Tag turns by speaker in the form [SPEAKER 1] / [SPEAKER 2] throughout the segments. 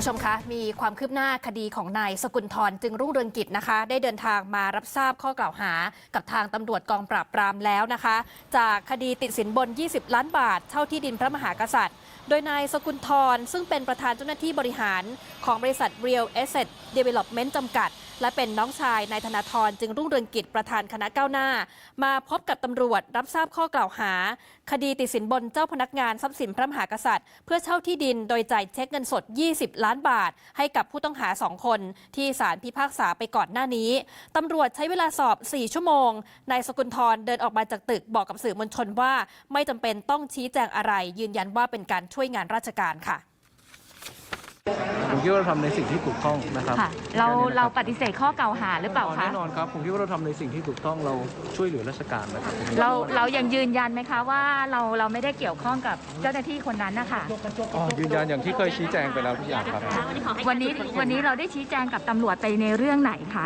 [SPEAKER 1] ผู้ชมคะมีความคืบหน้าคดีของนายสกุลธรจึงรุ่งเรืองกิจนะคะได้เดินทางมารับทราบข้อกล่าวหากับทางตำรวจกองปราบปรามแล้วนะคะจากคดีติดสินบน20 ล้านบาทเช่าที่ดินพระมหากษัตริย์โดยนายสกุลธรซึ่งเป็นประธานเจ้าหน้าที่บริหารของบริษัท Real Asset Development จำกัดและเป็นน้องชายนายธนาธรจึงรุ่งเรืองกิจประธานคณะก้าวหน้ามาพบกับตำรวจรับทราบข้อกล่าวหาคดีติดสินบนเจ้าพนักงานทรัพย์สินพระมหากษัตริย์เพื่อเช่าที่ดินโดยจ่ายเช็คเงินสด20 ล้านบาทให้กับผู้ต้องหา2คนที่ศาลพิพากษาไปก่อนหน้านี้ตำรวจใช้เวลาสอบ4 ชั่วโมงนายสกุลธรเดินออกมาจากตึกบอกกับสื่อมวลชนว่าไม่จำเป็นต้องชี้แจงอะไรยืนยันว่าเป็นการช่วยงานราชการค่ะ
[SPEAKER 2] ผมคิดว่าเราทำในสิ่งที่ถูกต้องนะครับ
[SPEAKER 3] เราปฏิเสธข้อกล่าวหาหรือเปล่าคะ
[SPEAKER 2] แน่นอนครับผมคิดว่าเราทำในสิ่งที่ถูกต้องเราช่วยเหลือราชการนะครับ
[SPEAKER 3] เรายังยืนยันไหมคะว่าเราไม่ได้เกี่ยวข้องกับเจ้าหน้าที่คนนั้นนะคะ
[SPEAKER 2] ยืนยันอย่างที่เคยชี้แจงไปแล้วทุกอย่างครับ
[SPEAKER 3] วันนี้เราได้ชี้แจงกับตำรวจไปในเรื่องไหนคะ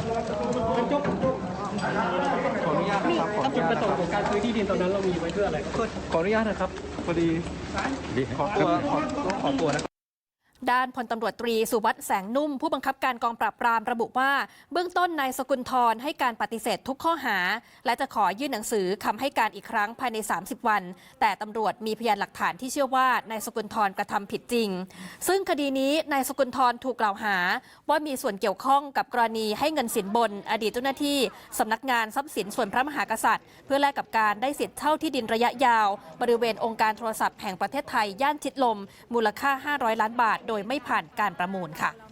[SPEAKER 2] ขออนุญาตนะครับจุดประสงค์ของการซื้อที่ดินตอนนั้นเรามีไว้เพื่ออะไรขออนุญาตนะครับพอดีขอตัวนะ
[SPEAKER 1] ด้านพลตำรวจตรีสุวัฒน์แสงนุ่มผู้บังคับการกองปราบปรามระบุว่าเบื้องต้นนายสกุลธรให้การปฏิเสธทุกข้อหาและจะขอยื่นหนังสือคำให้การอีกครั้งภายใน30 วันแต่ตำรวจมีพยานหลักฐานที่เชื่อว่านายสกุลธรกระทำผิดจริงซึ่งคดีนี้นายสกุลธรถูกกล่าวหาว่ามีส่วนเกี่ยวข้องกับกรณีให้เงินสินบนอดีตเจ้าหน้าที่สำนักงานทรัพย์สินส่วนพระมหากษัตริย์เพื่อแลกกับการได้สิทธิ์เช่าที่ดินระยะยาวบริเวณองค์การโทรศัพท์แห่งประเทศไทยย่านชิดลมมูลค่า500 ล้านบาทโดยไม่ผ่านการประมูลค่ะ